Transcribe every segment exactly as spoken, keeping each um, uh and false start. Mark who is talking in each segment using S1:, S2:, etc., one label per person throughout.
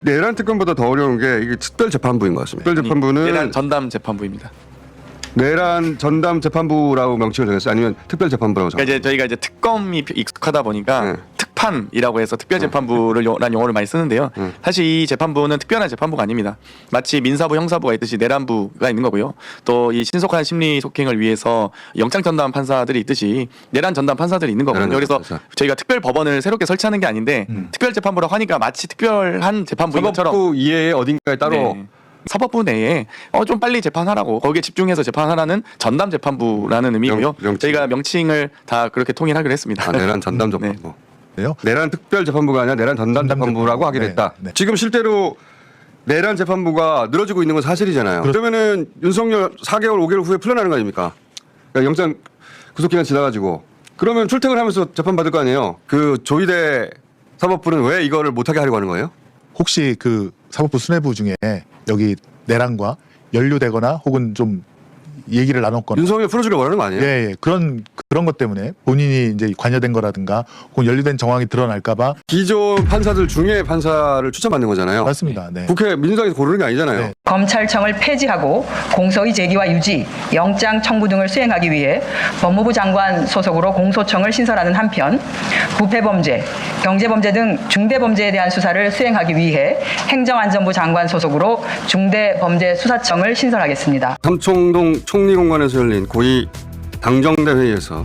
S1: 내란 특검보다 더 어려운 게 이게 특별재판부인 것 같습니다. 특별재판부는
S2: 내란 전담 재판부입니다.
S1: 내란 전담 재판부라고 명칭을 정했어요? 아니면 특별재판부라고
S2: 그러니까
S1: 정했어요?
S2: 이제 저희가 이제 특검이 익숙하다 보니까
S1: 네.
S2: 특판이라고 해서 특별재판부라는 용어를 많이 쓰는데요.
S1: 네.
S2: 사실 이 재판부는 특별한 재판부가 아닙니다. 마치 민사부, 형사부가 있듯이 내란부가 있는 거고요. 또 이 신속한 심리 속행을 위해서 영장 전담 판사들이 있듯이 내란 전담 판사들이 있는 거거든요.
S1: 내란
S2: 그래서
S1: 판사.
S2: 저희가 특별 법원을 새롭게 설치하는 게 아닌데
S3: 음.
S2: 특별재판부라고 하니까 마치 특별한 재판부인 것처럼
S1: 사법부 이외에 어딘가에 따로
S2: 네. 사법부 내에 어, 좀 빨리 재판하라고 거기에 집중해서 재판하라는 전담 재판부라는 의미고요.
S1: 명- 명칭.
S2: 저희가 명칭을 다 그렇게 통일하기로 했습니다.
S1: 아, 내란 전담 재판부.
S3: 네요.
S1: 내란 특별재판부가 아니라 내란 전담
S3: 전담
S1: 재판부라고
S3: 재판부.
S1: 하기로
S3: 네,
S1: 했다.
S3: 네.
S1: 지금 실제로 내란 재판부가 늘어지고 있는 건 사실이잖아요.
S3: 그렇-
S1: 그러면은 윤석열 사 개월, 오 개월 후에 풀려나는 거 아닙니까? 그러니까 영장 구속기간 지나가지고 그러면 출퇴근하면서 재판 받을 거 아니에요. 그 조희대 사법부는 왜 이거를 못하게 하려고 하는 거예요?
S3: 혹시 그 사법부 수뇌부 중에 여기 내란과 연루되거나 혹은 좀 얘기를 나눴거나
S1: 윤석열 풀어주려고 원하는 거 아니에요?
S3: 예, 예. 그런 그런 것 때문에 본인이 이제 관여된 거라든가 혹은 연루된 정황이 드러날까봐
S1: 기존 판사들 중에 판사를 추천받는 거잖아요.
S3: 맞습니다. 네.
S1: 국회 민주당에서 고르는 게 아니잖아요.
S3: 네.
S4: 검찰청을 폐지하고 공소의 제기와 유지, 영장 청구 등을 수행하기 위해 법무부 장관 소속으로 공소청을 신설하는 한편 부패범죄, 경제범죄 등 중대범죄에 대한 수사를 수행하기 위해 행정안전부 장관 소속으로 중대범죄수사청을 신설하겠습니다.
S1: 삼청동 총리공관에서 열린 고위 당정대 회의에서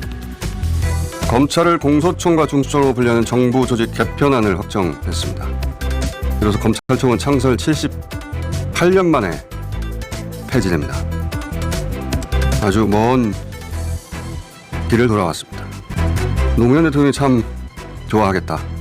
S1: 검찰을 공소청과 중수청으로 분류하는 정부 조직 개편안을 확정했습니다. 그래서 검찰청은 창설 칠십팔 년 만에 폐지됩니다. 아주 먼 길을 돌아왔습니다. 노무현 대통령이 참 좋아하겠다.